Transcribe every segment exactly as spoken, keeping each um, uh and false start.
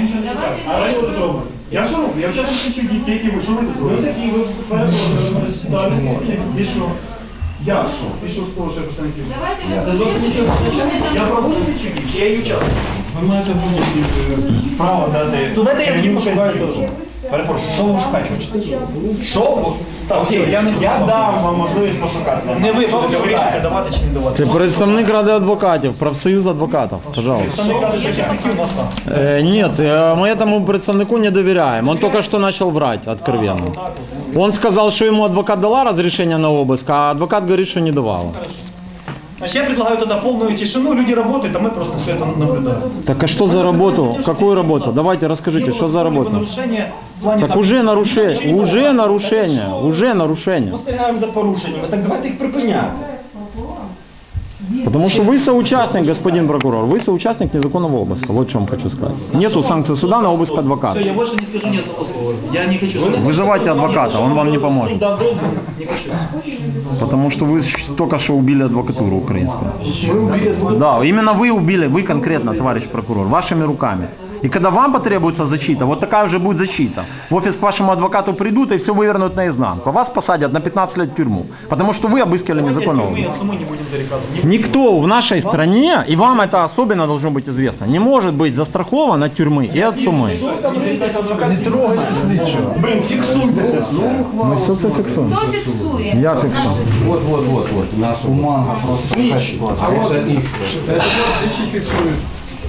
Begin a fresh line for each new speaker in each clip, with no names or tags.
нічого не шукаю. А що тут робите? Я що роблю? Я вчора хочу дітей, які ви, що ви тут робите? Ви такі, ви перепрошуєте. І що? Я що? І що з того, що я представників? Це зовсім нічого. Я проводжу чи ні? Чи я її учасник? Ви маєте право дати...
То дайте я тоді пошукаю теж. Перепрошую, що ви шукаєте? Що? Так, окей, я, не, я дам вам можливість пошукати. Не ви будете вирішити, давати чи не давати.
Це представник Ради адвокатів, профсоюз адвокатів, пожалуйста.
Представник Ради захисників у нас там.
Э, нет, э, мы этому представнику не доверяем. Он только что начал врать откровенно. Он сказал, что ему адвокат дала разрешение на обыск, а адвокат говорит, что не давала.
Значит, я предлагаю тогда полную тишину, люди работают, а мы просто все это наблюдаем.
Так а что за работу? Какую работу? Давайте расскажите, что за работа? Так уже нарушение, уже нарушение, уже нарушение.
Спостерігаємо за порушеннями, так давайте їх припиняти.
Потому что вы соучастник, господин прокурор, вы соучастник незаконного обыска. Вот что я вам хочу сказать. Нету санкций суда на обыск адвоката.
Я больше не скажу ни одного слова. Я не хочу.
Вызывайте адвоката, он вам не поможет.
Не хочу.
Потому что вы только что убили адвокатуру украинскую. Да, именно вы убили, вы конкретно, товарищ прокурор, вашими руками. И когда вам потребуется защита, вот такая уже будет защита. В офис к вашему адвокату придут и все вывернут наизнанку. Вас посадят на пятнадцать лет в тюрьму. Потому что вы обыскивали незаконного. Никто в нашей стране, и вам это особенно должно быть известно, не может быть застрахован от тюрьмы и от суммы.
Не трогайте слідчого. Блин, фіксуйте це все.
Мы все это фиксуем.
Хто фіксує?
Я фиксую.
Вот, вот, вот, вот. Наша бумага просто такая ситуация. А вот
Слідчі фіксують.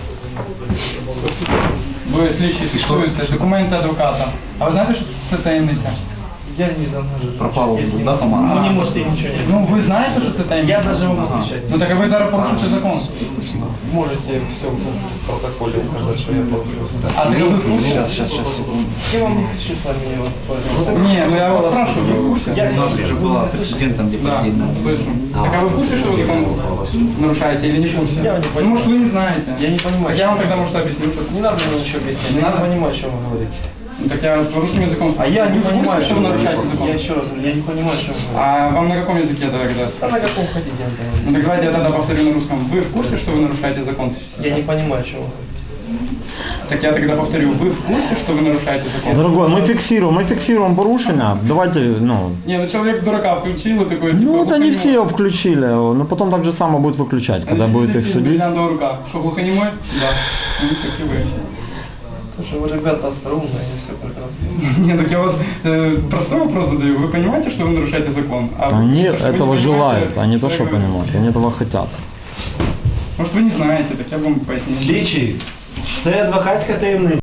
Ви слідчі фіксуєте документи адвоката. А ви знаєте, що це таємниця?
Я не знаю.
пропала да,
Вы
помага.
не можете ничего не...
Ну, ви знаєте, що це таємниця?
Я даже вам отвечать.
Ну так а ви зараз порушуєте закон.
Можете все в протоколе указать, что я получил.
А так ви в курсі?
Сейчас, сейчас, сейчас, секунду.
Я вам не хочу с вами вот, пожалуйста.
Ні, ну я вас спрашиваю, ви в курсі?
Я
У нас уже была прецедентом, где
Да,
последний.
слышу. Так а вы в курсе, что вы закон нарушаете или не в курсе?
Я не
Ну, может, вы не знаете.
Я не понимаю.
Так я вам тогда, может, объясню, что...
Не надо мне ничего объяснять.
Не
Я
надо?
не понимаю, о чем вы говорите.
Ну, так я порушим языком.
А я не
Вы в курсе,
понимаю,
что вы нарушаете закон?
Я еще раз говорю, я не понимаю, о чем вы говорите.
А вам на каком языке тогда?
Да на каком хотите, я не
Ну
понимаю.
так давайте я тогда повторю на русском. Вы в курсе, что вы нарушаете закон сейчас?
Я не понимаю, о чем вы говорите.
Так я тогда повторю. Вы в курсе, что вы нарушаете закон?
Дорогой, мы фиксируем, мы фиксируем порушения. Давайте, ну...
Не, ну человек дурака включил и такой...
Ну,
типа,
это не
глухонемой.
все его включили, но потом так же само будет выключать, когда
А
будет их
действительно,
судить.
бриллиантовая рука. Что, глухонемой? Да. Ну, как и вы.
Потому что вы, ребята, остроумные, и все прекрасно.
Не, так я вас э, простой вопрос задаю. Вы понимаете, что вы нарушаете закон? А вы-
Они
что вы не
этого
понимаете,
желают, они то,
я
что
говорю.
понимают, они этого хотят.
Может, вы не знаете, так я вам поясню.
Слідчий, це адвокатська таємниця.